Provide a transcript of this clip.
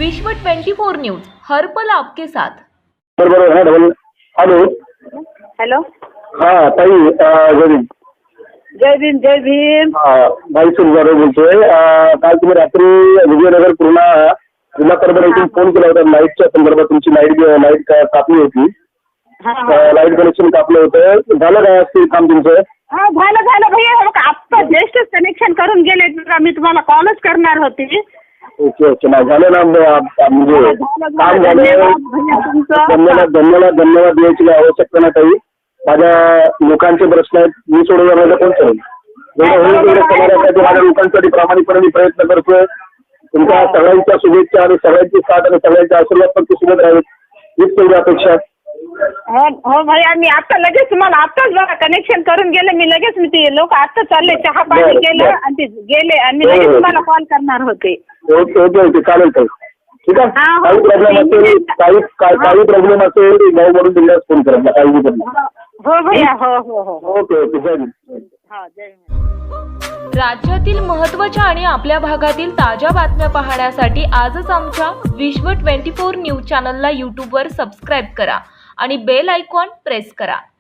विश्व 24 न्यूज हर पल आपके साथ। बरोबर है डबल। हॅलो हॅलो हाँ ताई जय भीम। जय भीम जय भीम। भाई सुरगारे बोलतोय। काल तुम्ही रात्री विजयनगर पूर्णा कॉर्पोरेशन फोन केला होता लाईटच्या संदर्भात। तुमची लाईट कापली होती, लाईट कनेक्शन कापलं होतं, झालं काय असते काम तुमचं? हा झालं भैया, आता जस्ट कनेक्शन करून गेले, मी तुम्हाला कॉलच करणार होती। ओके नाही झालं ना, म्हणजे काम झालं। धन्यवाद द्यायची आवश्यकता नाही ताई। माझ्या लोकांचे प्रश्न आहेत, मी सोडवण्याचा कोण करेल? जेवढं होईल तेवढं समाजासाठी माझ्या लोकांसाठी प्रामाणिकपणे प्रयत्न करतोय। तुमच्या सगळ्यांच्या शुभेच्छा आणि सगळ्यांची साथ आणि सगळ्यांचे आशीर्वाद पण सोबत राहील, हीच पहिली अपेक्षा। हो भैया, मी आता लगेच तुम्हाला आताच बघा कनेक्शन करून गेले, मी लगेच ते लोक आता चालले, चहा पाणी केलं आणि ते गेले आणि मी लगेच तुम्हाला कॉल करणार होते। ओके चालेल ताई, ठीक आहे। काही प्रॉब्लेम असेल, काही प्रॉब्लेम असेल गाव वरून दिल्यास फोन करा, काही नाही। हो भैया, हो ओके जय भीम। जय भीम। राज्यातील महत्त्वाच्या आणि आपल्या भागातील ताज्या बातम्या पाहण्यासाठी आजच आमच्या विश्व 24 न्यूज चॅनलला यूट्यूबवर सबस्क्राईब करा आणि बेल आयकॉन प्रेस करा।